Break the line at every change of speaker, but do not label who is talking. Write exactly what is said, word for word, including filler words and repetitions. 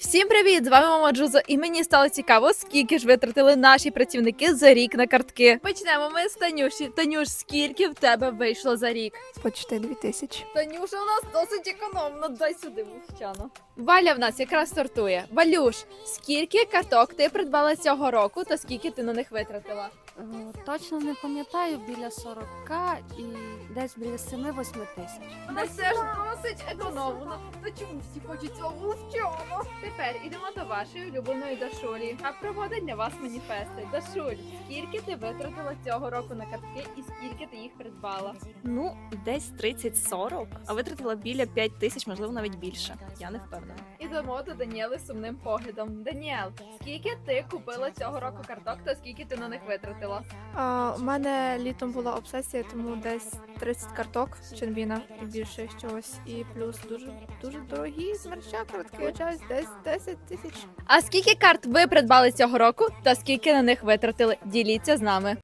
Всім привіт! З вами Мама Джузо, і мені стало цікаво, скільки ж витратили наші працівники за рік на картки. Почнемо ми з Танюші. Танюш, скільки в тебе вийшло за рік?
Почти дві тисячі.
Танюша у нас досить економно. Дай сюди мовчано. Валя в нас якраз стартує. Валюш, скільки карток ти придбала цього року та скільки ти на них витратила?
Е, Точно не пам'ятаю, біля сорока і десь біля семи-восьми тисяч.
Вона все ж досить економно. Та чому всі хочуть цього мовчано? Тепер ідемо до вашої улюбленої Дашулі. А проводить для вас маніфести. Дашуль, скільки ти витратила цього року на картки і скільки ти їх придбала?
Ну, десь тридцять-сорок, а витратила біля п'ять тисяч, можливо, навіть більше. Я не впевнена.
Ідемо до Даніели з сумним поглядом. Даніел, скільки ти купила цього року карток та скільки ти на них витратила?
А, у мене літом була обсесія, тому десь тридцять карток Ченбіна і більше чогось. І плюс дуже дуже дорогі змерча картки. Час десь десять тисяч.
А скільки карт ви придбали цього року та скільки на них витратили? Діліться з нами.